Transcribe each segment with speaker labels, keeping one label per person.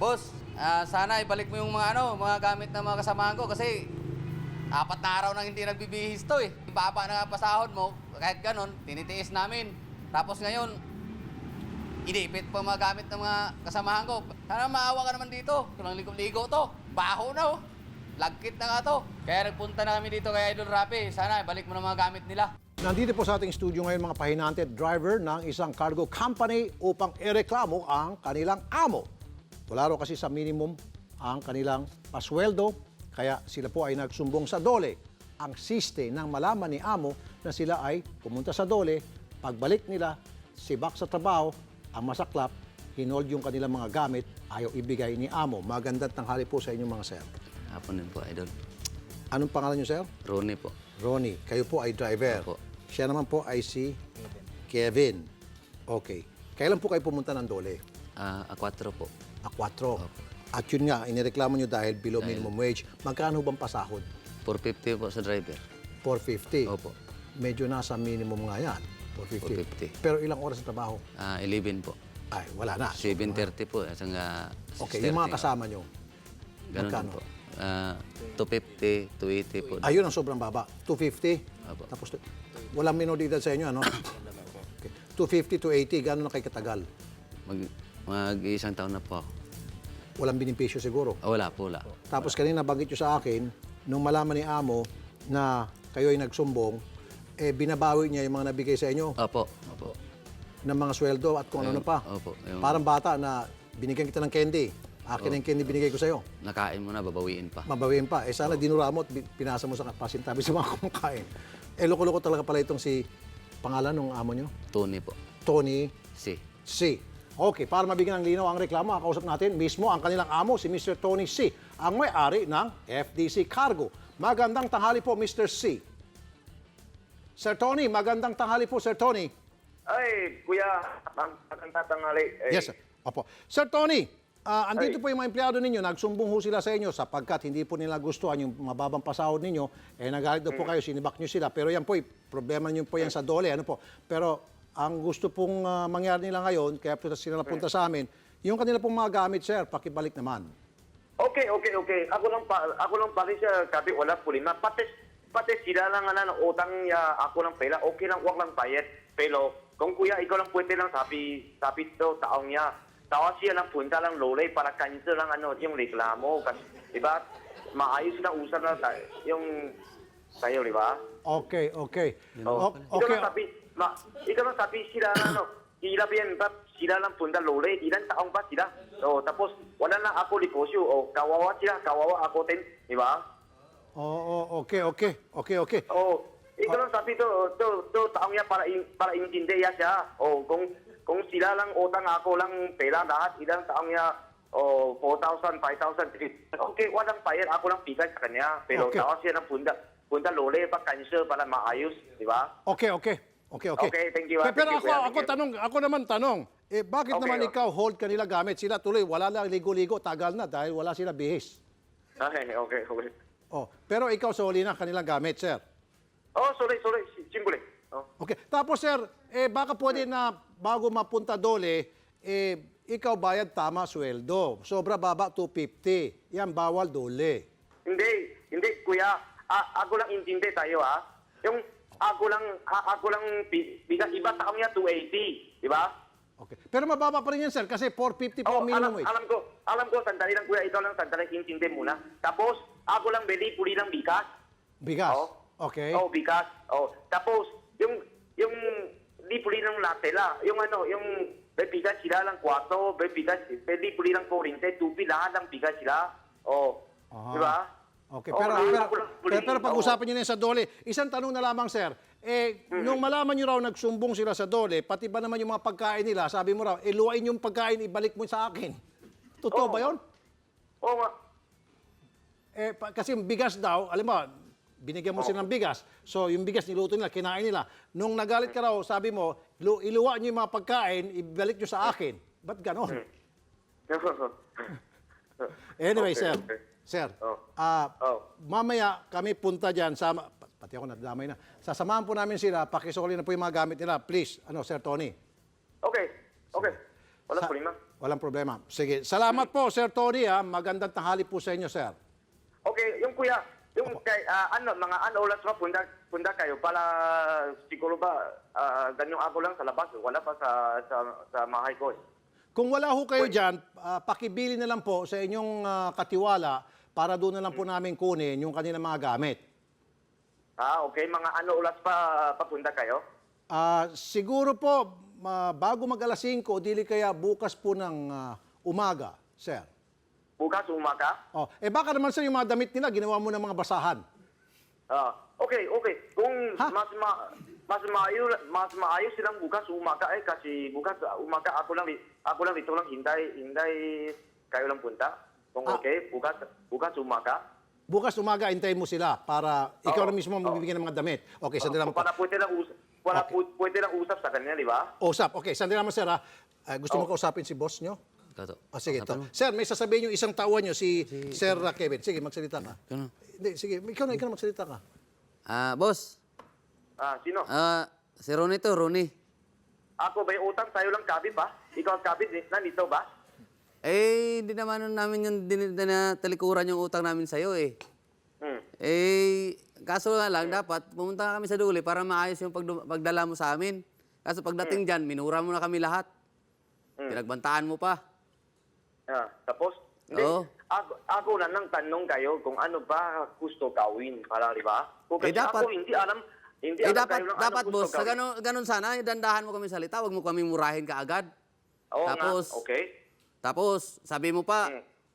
Speaker 1: Boss, sana ibalik mo yung mga gamit ng mga kasamahan ko kasi 4 na araw nang hindi nagbibihis to eh. Baba na nga pasahod mo, kahit ganon, tinitiis namin. Tapos ngayon, inipit pa mga gamit ng mga kasamahan ko. Sana maawa ka naman dito. Kulang ligo-ligo to. Baho na oh. Lagkit na nga to. Kaya nagpunta namin dito kay Idol Rapi. Sana ibalik mo na mga gamit nila.
Speaker 2: Nandito po sa ating studio ngayon mga pahinante driver ng isang cargo company upang ireklamo ang kanilang amo. Wala raw kasi sa minimum ang kanilang pasweldo, kaya sila po ay nagsumbong sa DOLE. Ang siste nang malaman ni amo na sila ay pumunta sa DOLE, pagbalik nila, sibak sa trabaho, ang masaklap, hinold yung kanilang mga gamit, ayaw ibigay ni amo. Magandang tanghali po sa inyong mga sir.
Speaker 3: Hapon din po, Idol.
Speaker 2: Anong pangalan niyo, sir?
Speaker 3: Ronnie po.
Speaker 2: Ronnie. Kayo po ay driver.
Speaker 3: Opo.
Speaker 2: Siya naman po ay si Kevin. Okay. Kailan po kayo pumunta ng DOLE?
Speaker 3: A4 po.
Speaker 2: A4. At yun nga, inireklamo nyo dahil below minimum wage. Magkano bang pasahod?
Speaker 3: 450 po sa driver.
Speaker 2: 450.
Speaker 3: Opo.
Speaker 2: Medyo nasa minimum nga yan. 450.
Speaker 3: 450.
Speaker 2: Pero ilang oras sa trabaho?
Speaker 3: 11 po.
Speaker 2: Ay, wala na.
Speaker 3: 7:30 po. Hanggang
Speaker 2: Okay,
Speaker 3: 6:30.
Speaker 2: yung mga kasama nyo.
Speaker 3: Ganun
Speaker 2: magkano?
Speaker 3: po. 250, 280 po.
Speaker 2: Ayun ang sobrang baba. 250.
Speaker 3: Opo.
Speaker 2: Tapos, walang minoridad sa inyo, ano? Okay. 250 to 80, gano'n na kayo katagal?
Speaker 3: Mag-isang taon na po ako.
Speaker 2: Walang benepisyo siguro.
Speaker 3: Wala po, wala.
Speaker 2: Tapos kanina banggit nyo sa akin, nung malaman ni amo na kayo ay nagsumbong, binabawi niya yung mga nabigay sa inyo
Speaker 3: Opo. Opo.
Speaker 2: ng mga sweldo at kung ano pa.
Speaker 3: Opo. Yung
Speaker 2: Parang bata na binigyan kita ng candy. Akin ang candy binigay ko sa'yo.
Speaker 3: nakain mo na, babawiin pa.
Speaker 2: Mabawiin pa. Sana dinura mo at pinasa mo sa pasintabi sa mga kumakain. Loko-loko talaga pala itong si pangalan ng amo nyo?
Speaker 3: Tony po.
Speaker 2: Tony
Speaker 3: Si.
Speaker 2: C. Okay, para mabigyan ng linaw ang reklamo, kausap natin mismo ang kanilang amo, si Mr. Tony C., ang may-ari ng FDC Cargo. Magandang tanghali po, Mr. C. Sir Tony, magandang tanghali po, Sir Tony.
Speaker 4: Ay, kuya, magandang tanghali.
Speaker 2: Yes, sir. Opo. Sir Tony, andito po yung mga empleyado ninyo, nagsumbong ho sila sa inyo sapagkat hindi po nila gustuhan yung mababang pasahod ninyo, nagalit daw po kayo, sinibak nyo sila. Pero yan po, problema nyo po yan sa DOLE, ano po. Pero ang gusto pong mangyari nila ngayon, kaya po sila napunta sa amin, yung kanila pong mga gamit, sir, pakibalik naman.
Speaker 4: Okay. Ako lang pala siya, sabi, wala problema. Pati sila lang ng utang niya, ako lang pala, okay lang, wag lang bayad. Pero kung kuya, ikaw lang pwede lang sabi to, taong niya. Tawa siya lang punta lang lolay para cancel lang yung reklamo. Kasi, di ba, maayos na usap na yung tayo, di ba?
Speaker 2: Okay.
Speaker 4: Okay. Ikaw lang sabi sila sila sila lang punta lore, ilan taong ba sila? Tapos wala na ako negosyo, kawawa sila, kawawa ako din, di ba?
Speaker 2: Okay.
Speaker 4: Ikaw lang sabi to taong niya para intindihan siya. Kung sila lang utang ako lang pera lahat, ilang taong niya 4,000, 5,000, 3,000. Okay, walang bayad, ako lang bigay sa kanya. Pero tawa siya ng punta lore, cancel para maayos, di ba?
Speaker 2: Okay.
Speaker 4: Okay, thank you.
Speaker 2: Pero
Speaker 4: Thank you.
Speaker 2: ako naman tanong, bakit
Speaker 4: Okay,
Speaker 2: naman ikaw hold kanila gamit? Sila tuloy, wala lang ligo-ligo, tagal na dahil wala sila bihis.
Speaker 4: Okay.
Speaker 2: Pero ikaw soli na kanilang gamit, sir.
Speaker 4: Sorry. Singule.
Speaker 2: Okay. Tapos, sir, baka pwede na bago mapunta DOLE, ikaw bayad tama sweldo. Sobra baba, 250. Yan, bawal DOLE.
Speaker 4: Hindi, kuya. Ako lang intindi tayo, ha? Yung ako lang bigas iba taong niya 280, di ba?
Speaker 2: Okay. Pero mababa pa rin yan, sir, kasi 450 po ang minimum wage.
Speaker 4: Alam ko, sandali lang kuya, ikaw lang sandali, intindi muna. Tapos, ako lang puli lang bigas.
Speaker 2: Bigas?
Speaker 4: Oh.
Speaker 2: Okay.
Speaker 4: Bigas. Tapos, yung puli ng latela, yung bigas sila lang 4, bigas, puli lang 40, tupi lahat ng bigas sila. Di ba?
Speaker 2: Okay, pero pag-usapan niyo na sa DOLE, isang tanong na lamang, sir. Nung malaman niyo raw nagsumbong sila sa DOLE, pati ba naman yung mga pagkain nila, sabi mo raw, luwain yung pagkain, ibalik mo sa akin. Totoo ba yun?
Speaker 4: Oo nga.
Speaker 2: Kasi yung bigas daw, alam mo, binigyan mo sila ng bigas. So, yung bigas niluto nila, kinain nila. Nung nagalit ka raw, sabi mo, iluwa niyo yung mga pagkain, ibalik niyo sa akin. Ba't ganon? Anyway,
Speaker 4: Okay,
Speaker 2: sir.
Speaker 4: okay.
Speaker 2: Sir, mamaya kami punta dyan, pati ako nadamay na. Sasamahan po namin sila, pakisoli na po yung mga gamit nila. Please, Sir Tony.
Speaker 4: Okay. Wala problema.
Speaker 2: Walang problema. Sige, salamat po, Sir Tony. Magandang tanghali po sa inyo, sir.
Speaker 4: Okay, yung kuya, yung kay, mga oras pa punta kayo para siguro ba ganyan ako lang sa labas, wala pa sa mahay ko.
Speaker 2: Kung wala ho kayo dyan, pakibili na lang po sa inyong katiwala para doon na lang po namin kunin yung kanilang mga gamit.
Speaker 4: Okay, mga oras pa papunta kayo?
Speaker 2: Siguro po, bago mag-alas 5, dili kaya bukas po ng umaga, sir.
Speaker 4: Bukas umaga?
Speaker 2: Baka naman sir, yung mga damit nila, ginawa mo ng mga basahan.
Speaker 4: Okay. Kung mas maayos silang bukas umaga kasi bukas umaga ako lang dito lang hintay kayo lang punta. Kung okay, bukas umaga.
Speaker 2: Bukas umaga, hintayin mo sila para ikaw na mismo magbibigyan ng mga damit. Okay, sandali lang po.
Speaker 4: Para pwede lang usap sa kanya, di ba?
Speaker 2: Usap. Okay, sandali naman sir. Gusto mo kausapin si boss nyo?
Speaker 3: Kato.
Speaker 2: Sige, ito. Sir, may sasabihin yung isang tauhan nyo, si Sir Kevin. Sige, magsalita ka.
Speaker 3: Ano?
Speaker 2: Hindi, sige, ikaw na magsalita ka.
Speaker 3: Boss.
Speaker 4: Sino?
Speaker 3: Si Ronnie to, Ronnie.
Speaker 4: Ako ba yung utang sa'yo lang kabit ba? Ikaw ang kabit na nito ba?
Speaker 3: Hindi naman namin yung talikuran yung utang namin sa'yo eh.
Speaker 4: Hmm.
Speaker 3: Kaso nga lang, dapat pumunta kami sa Duli para maayos yung pagdala mo sa amin. Kaso pagdating dyan, minura mo na kami lahat. Pinagbantaan mo pa.
Speaker 4: Tapos? Hindi.
Speaker 3: Oo.
Speaker 4: Ako na nang tanong kayo kung ano ba gusto gawin para, di ba? Kasi
Speaker 3: dapat.
Speaker 4: ako hindi alam
Speaker 3: Dapat,
Speaker 4: kayo ng
Speaker 3: dapat
Speaker 4: ano
Speaker 3: boss,
Speaker 4: gusto
Speaker 3: sa
Speaker 4: gawin.
Speaker 3: ganun sana, dandahan mo kami salita, wag mo kami murahin kaagad.
Speaker 4: Oo
Speaker 3: Tapos,
Speaker 4: nga, okay.
Speaker 3: Tapos, sabi mo pa,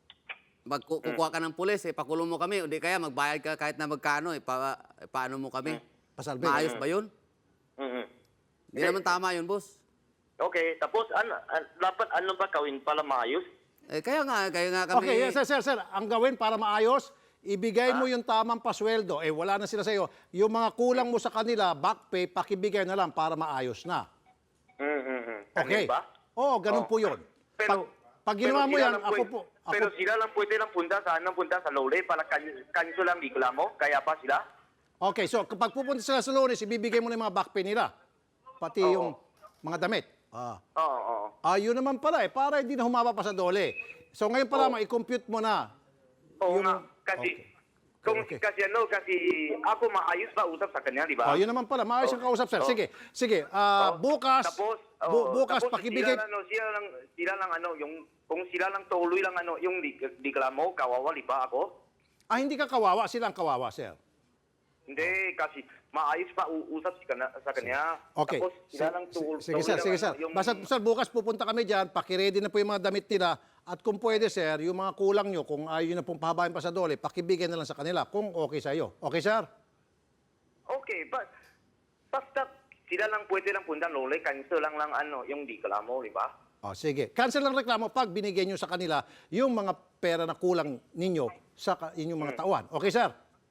Speaker 3: kukuha ka ng pulis, pakulong mo kami, o di kaya magbayad ka kahit na magkano, paano mo kami?
Speaker 2: Pasalbi.
Speaker 3: Maayos ba yun? Hindi naman tama yun, boss.
Speaker 4: Okay, tapos dapat ano ba gawin para maayos?
Speaker 3: Kaya nga kami...
Speaker 2: Okay, sir. Ang gawin para maayos, ibigay mo yung tamang pasweldo. Wala na sila sa iyo. Yung mga kulang mo sa kanila, back pay, pakibigay na lang para maayos na. Okay.
Speaker 4: Ganun ba?
Speaker 2: Oo, ganun po yun. Pag ginawa mo
Speaker 4: sila
Speaker 2: yan,
Speaker 4: lang
Speaker 2: ako
Speaker 4: pwede-
Speaker 2: po...
Speaker 4: Pero sila lang pwede lang punta sa Lole para kanso lang reklamo, kaya pa sila?
Speaker 2: Okay, so kapag pupunta sila sa Lunes, ibibigay mo na yung mga back pay nila. Pati yung mga damit.
Speaker 4: Oo.
Speaker 2: Yun naman pala para hindi na humaba pa sa Dole. So ngayon pala, i-compute mo na.
Speaker 4: Oo
Speaker 2: Yung-
Speaker 4: nga, kasi...
Speaker 2: Okay.
Speaker 4: Kasi ako maayos ba usap sa kanya, di ba?
Speaker 2: Yun naman pala, maayos ang kausap, sir. Sige. Bukas, bukas
Speaker 4: tapos
Speaker 2: pakibigay...
Speaker 4: sila lang kung sila lang tuloy lang yung reklamo, kawawa, di ba ako?
Speaker 2: Hindi ka kawawa, sila ang kawawa, sir.
Speaker 4: Hindi, kasi maayos pa usap sa kanya.
Speaker 2: Okay.
Speaker 4: Tapos sila lang
Speaker 2: Sige, sir. Basta, sir, bukas pupunta kami dyan, pakiready na po yung mga damit nila. At kung pwede, sir, yung mga kulang nyo, kung ayaw nyo na pong pahabain pa sa Dole, pakibigay na lang sa kanila kung okay sa iyo. Okay, sir?
Speaker 4: Okay, basta sila lang pwede lang punta Lole, cancel lang yung reklamo, di ba?
Speaker 2: Sige. Cancel ang reklamo pag binigay nyo sa kanila yung mga pera na kulang ninyo sa inyong mga tauhan. Okay, sir?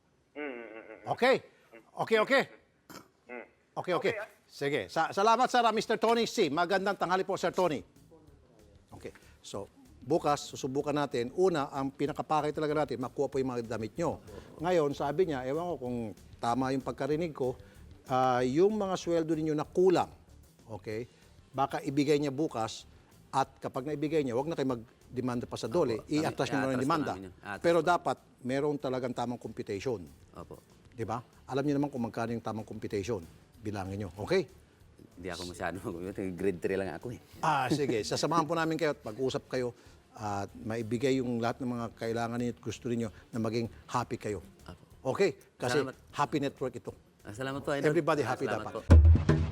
Speaker 2: Okay. Sige. Salamat, sir, Mr. Tony C. Magandang tanghali po, Sir Tony. Okay. So, bukas, susubukan natin. Una, ang pinakapakay talaga natin, makuha po yung mga damit nyo. Ngayon, sabi niya, ewan ko kung tama yung pagkarinig ko, yung mga sweldo ninyo na kulang, okay, baka ibigay niya bukas at kapag naibigay niya, huwag na kayo mag-demanda pa sa Dole, i-atras niyo na yung demanda. Pero dapat, meron talagang tamang computation.
Speaker 3: Opo.
Speaker 2: Di ba? Alam niyo naman kung magkano yung tamang computation. Bilangin niyo. Okay?
Speaker 3: Hindi ako masyado, grade 3 lang ako eh.
Speaker 2: Sige. Sasamahan po namin kayo at pag-usap kayo at maibigay yung lahat ng mga kailangan niyo at gusto niyo na maging happy kayo. Okay? Kasi
Speaker 3: Salamat.
Speaker 2: happy network ito.
Speaker 3: Salamat po, Idol.
Speaker 2: Everybody happy
Speaker 3: Salamat
Speaker 2: dapat.
Speaker 3: po.